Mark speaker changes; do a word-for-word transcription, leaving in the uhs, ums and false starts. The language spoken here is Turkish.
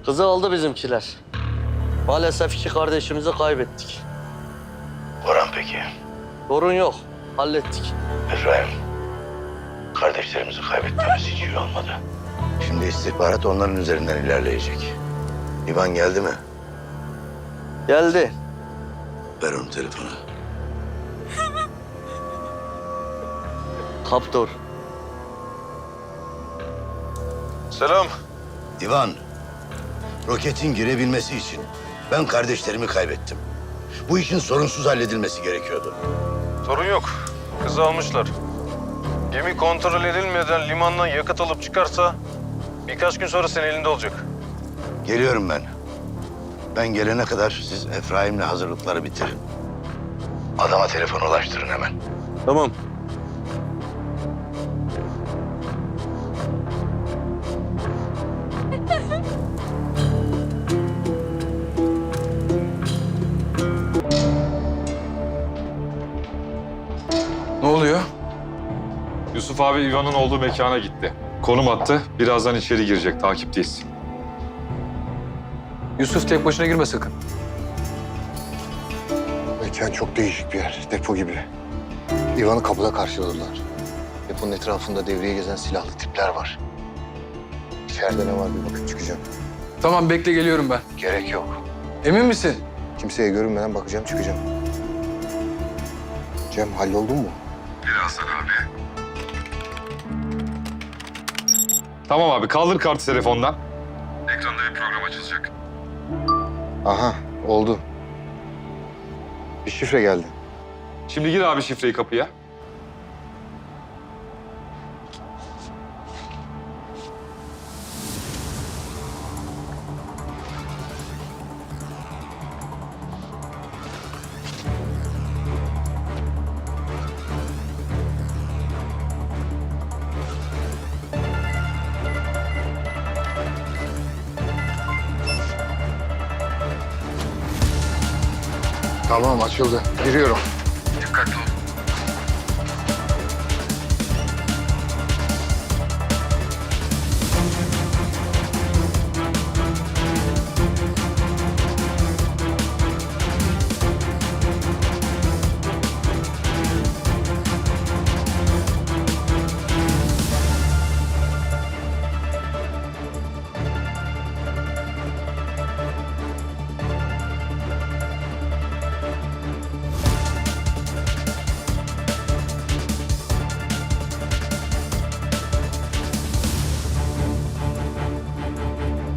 Speaker 1: Kızı aldı bizimkiler. Maalesef iki kardeşimizi kaybettik.
Speaker 2: Orhan peki?
Speaker 1: Sorun yok, hallettik.
Speaker 2: Efraim, kardeşlerimizi kaybetmemiz hiç iyi olmadı. Şimdi istihbarat onların üzerinden ilerleyecek. İvan geldi mi?
Speaker 1: Geldi.
Speaker 2: Ver onu telefonu.
Speaker 1: Kaptor.
Speaker 3: Selam.
Speaker 2: İvan, roketin girebilmesi için ben kardeşlerimi kaybettim. Bu işin sorunsuz halledilmesi gerekiyordu.
Speaker 3: Sorun yok. Kızı almışlar. Gemi kontrol edilmeden limandan yakıt alıp çıkarsa birkaç gün sonra senin elinde olacak.
Speaker 2: Geliyorum ben. Ben gelene kadar siz Efraim'le hazırlıkları bitirin. Adama telefon ulaştırın hemen.
Speaker 1: Tamam.
Speaker 4: Ne oluyor?
Speaker 5: Yusuf abi İvan'ın olduğu mekana gitti. Konum attı. Birazdan içeri girecek. Takipteyiz.
Speaker 4: Yusuf tek başına girme sakın.
Speaker 6: Mekan çok değişik bir yer. Depo gibi. İvan'ı kapıda karşıladılar. Deponun etrafında devreye gezen silahlı tipler var. İçeride ne var bir bakıp çıkacağım.
Speaker 4: Tamam bekle geliyorum ben.
Speaker 6: Gerek yok.
Speaker 4: Emin misin?
Speaker 6: Kimseye görünmeden bakacağım çıkacağım. Cem halloldun mu?
Speaker 5: Tamam abi. Kaldır kartı telefondan. Ekranda bir program açılacak.
Speaker 6: Aha oldu. Bir şifre geldi.
Speaker 5: Şimdi gir abi şifreyi kapıya.
Speaker 6: Tamam açıldı. Giriyorum.